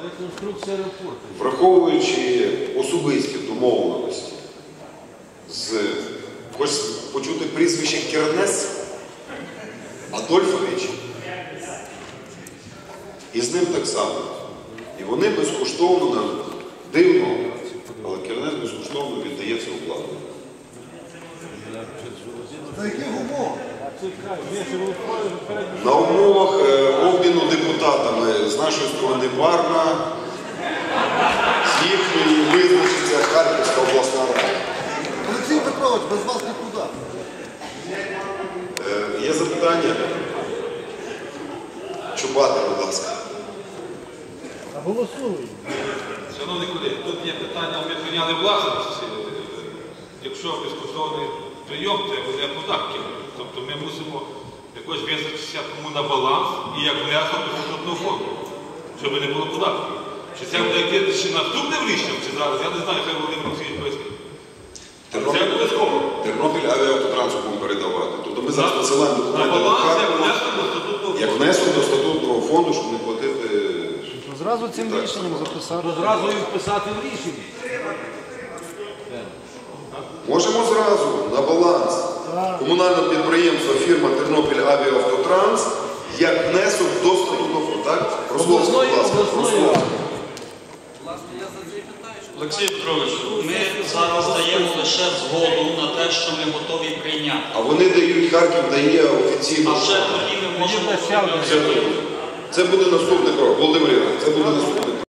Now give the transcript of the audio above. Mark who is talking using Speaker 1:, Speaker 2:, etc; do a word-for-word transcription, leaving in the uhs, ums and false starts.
Speaker 1: Реконструкція аеропорту.
Speaker 2: Враховуючи особисті домовленості з, хочеш почути прізвище Кернес Адольфович, і з ним так само. І вони безкоштовно, дивно, але Кернес безкоштовно віддає цю оплату.
Speaker 3: За яких умов?
Speaker 2: На умовах е, обміну депутатами з нашої сторони Варна, з їхньої визначиться Харківська обласна рада.
Speaker 3: Олексій Петрович, без вас нікуди.
Speaker 2: Е, є запитання? Чубати, будь ласка.
Speaker 3: Голосуємо.
Speaker 4: Шановні колеги, тут є питання, ми прийняли власності. Якщо безкоштовний прийом, то буде податків. Тобто ми мусимо якось визначитися кому на баланс і як внесок до статутного фонду, щоб не було податків. Чи це буде йти ще наступним рішенням, чи зараз? Я не знаю, хай Володимир Олексійович пояснить. Це обов'язково.
Speaker 2: Тернопіль авіавтотрансу будемо передавати. Тобто ми зараз посилаємо
Speaker 4: На
Speaker 2: документи до
Speaker 4: баланс, як
Speaker 2: Харкова,
Speaker 4: внесок до статутного
Speaker 2: як
Speaker 4: фонду.
Speaker 2: внесок до статутного фонду, щоб не платити.
Speaker 3: Зразу цим рішенням записати.
Speaker 1: Зразу їх вписати в рішення.
Speaker 2: Можемо зразу на баланс комунального підприємства фірма Тернопіль Авіавтотранс як внесок до статутного фонду. Так? Рословський, будь ласка. Рословський.
Speaker 5: Олексій Петрович, ми зараз даємо лише згоду на те, що ми готові прийняти.
Speaker 2: А вони дають, Харків дає офіційно.
Speaker 5: А вже тоді ми можемо...
Speaker 2: Це буде наступний крок. Володимир Ігорович, це буде наступний